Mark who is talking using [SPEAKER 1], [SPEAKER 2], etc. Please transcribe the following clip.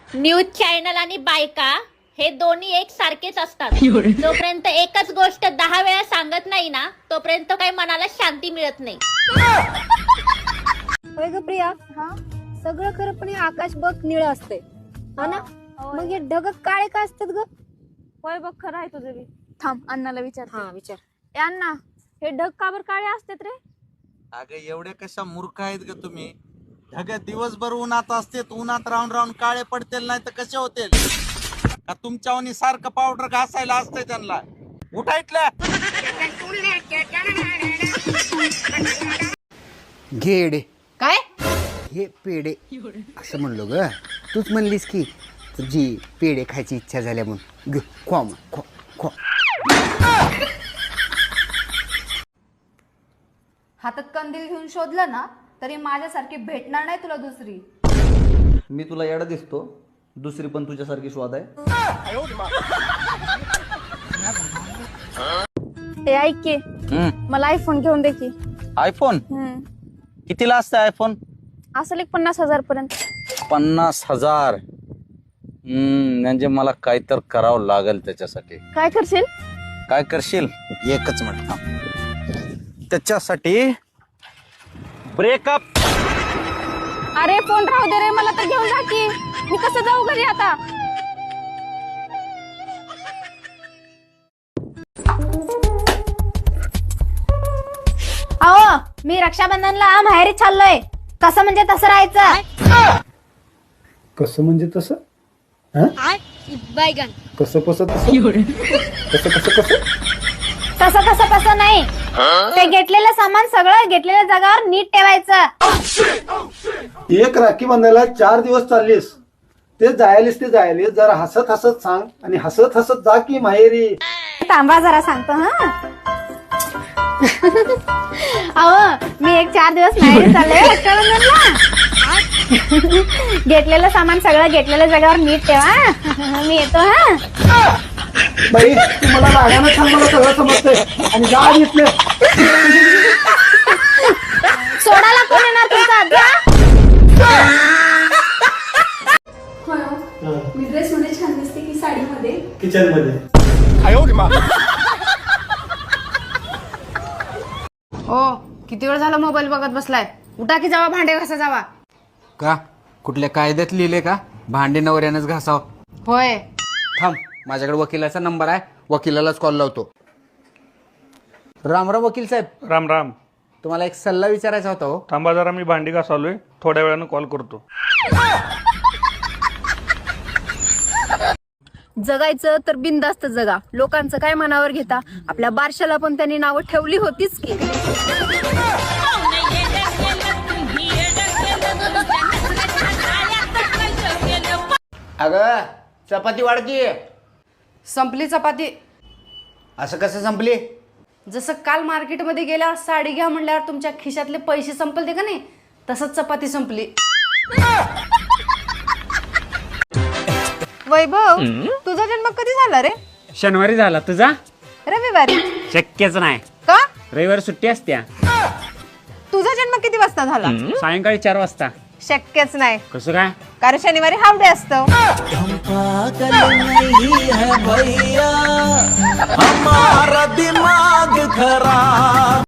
[SPEAKER 1] News channel आणि बायका हे दोन्ही एक सारखेच असतात. जोपर्यंत एकच गोष्ट 10 वेळा सांगत नाही ना तोपर्यंत काही मनाला शांती मिळत नाही.
[SPEAKER 2] होय ग प्रिया. हा सगळं खरं पण हे आकाश बघ निळ असते हा ना. मग हे ढग काळे का असतात ग?
[SPEAKER 3] होय बघ खरं आहे तुझं बी. थांब अण्णाला विचार.
[SPEAKER 2] हा विचार.
[SPEAKER 3] ए अण्णा, हे ढग का बरं काळे असतात रे?
[SPEAKER 4] अगं एवढे कशा मूर्ख आहेत ग तुम्ही. ढग दिवसभर उन्हात असते, उन्हात राहून राहून काळे पडतील नाही तर कसे होतील का? तुमच्यावानी सारखं पावडर घासायला असतंय त्यांना. उठायतलं
[SPEAKER 5] घेडे
[SPEAKER 2] काय
[SPEAKER 5] हे पेढे असं म्हणलो ग. तूच म्हणलीस की तुझी पेढे खायची इच्छा झाल्या म्हणून ग. खो मग खो खो.
[SPEAKER 6] हातात कंदील घेऊन शोधलं ना तरी माझ्यासारखी भेटणार नाही तुला दुसरी.
[SPEAKER 7] मी तुला येडा दिसतो, दुसरी पण तुझ्यासारखी स्वाद आहे.
[SPEAKER 3] ए ऐक की, मला आयफोन घेऊन दे की.
[SPEAKER 4] आयफोन कितीला असतं आयफोन?
[SPEAKER 3] असेल एक 50,000 पर्यंत.
[SPEAKER 4] 50,000. म्हणजे मला काय तर करावं लागेल त्याच्यासाठी.
[SPEAKER 3] काय करशील?
[SPEAKER 4] काय करशील? एकच मिनिट थांब. त्याच्यासाठी ब्रेकअप.
[SPEAKER 3] अरे फोन राहू दे रे, मला तर घेऊन जा की. मी कसं जाऊ घरी आता?
[SPEAKER 2] अहो मी रक्षाबंधनला माहेरी चाललोय. कसं म्हणजे तसं राहायचं.
[SPEAKER 8] कसं म्हणजे तसं?
[SPEAKER 2] बैगन.
[SPEAKER 8] कसं कसं तसं? कसं कसं कसं?
[SPEAKER 2] तसं कसं तसं नाही. ते घेतलेलं सामान सगळं घेतलेल्या जागावर नीट ठेवायचं.
[SPEAKER 8] एक राखी बांधायला 4 दिवस चाललीस, ते जायलीस जरा हसत हसत सांग आणि हसत हसत जा की माहेरी.
[SPEAKER 2] थांबा जरा सांगतो. हा अहो मी एक 4 दिवस माहेरी चाललोय रक्षाबंधनला. घेतलेलं सामान सगळं घेतलेल्या जागावर नीट ठेवा. मी येतो. हा
[SPEAKER 8] बाई तू मला रागानं सांग, मला सगळं समजतंय आणि जा घेतले.
[SPEAKER 2] सोडायला कोण येणार तुमचा आजा?
[SPEAKER 6] मी ड्रेस मध्ये छान दिसते की साडीमध्ये?
[SPEAKER 8] किचन मध्ये.
[SPEAKER 9] ओ किती वेळ झाला मोबाईल बघत बसलाय? उठा की जावा भांडे घासा जावा.
[SPEAKER 5] का कुठल्या कायद्यात लिहिले का भांडे नवऱ्यानंच घासाव?
[SPEAKER 9] होय.
[SPEAKER 5] थांब, माझ्याकडे वकिलाचा नंबर आहे, वकिलालाच कॉल लावतो. राम राम वकील साहेब.
[SPEAKER 10] राम राम.
[SPEAKER 5] तुम्हाला एक सल्ला विचारायचा होता. हो
[SPEAKER 10] थांबा जरा, मी भांडी घासालोय, थोड्या वेळानं कॉल करतो.
[SPEAKER 3] जगायचं तर बिनधास्त जगा. लोकांचं काय मनावर घेता. आपल्या बारशाला पण त्यांनी नावं ठेवली होतीच की.
[SPEAKER 5] अगं चपाती वाढकी.
[SPEAKER 9] संपली चपाती.
[SPEAKER 5] असं कसं संपली?
[SPEAKER 9] जसं काल मार्केटमध्ये गेल्यावर साडी घ्या म्हणल्यावर तुमच्या खिशातले पैसे संपलते का नाही, तसंच चपाती संपली.
[SPEAKER 3] वैभव तुझा जन्म कधी झाला रे?
[SPEAKER 11] शनिवारी झाला. तुझा?
[SPEAKER 3] रविवारी.
[SPEAKER 11] शक्यच नाही.
[SPEAKER 3] का?
[SPEAKER 11] रविवारी सुट्टी असत्या.
[SPEAKER 3] तुझा जन्म किती वाजता झाला?
[SPEAKER 11] सायंकाळी 4 वाजता.
[SPEAKER 3] शक्यच नाही,
[SPEAKER 11] कसं काय?
[SPEAKER 3] कारण शनिवारी हाफ डे असतो.
[SPEAKER 4] हमारा दिमाग खराब.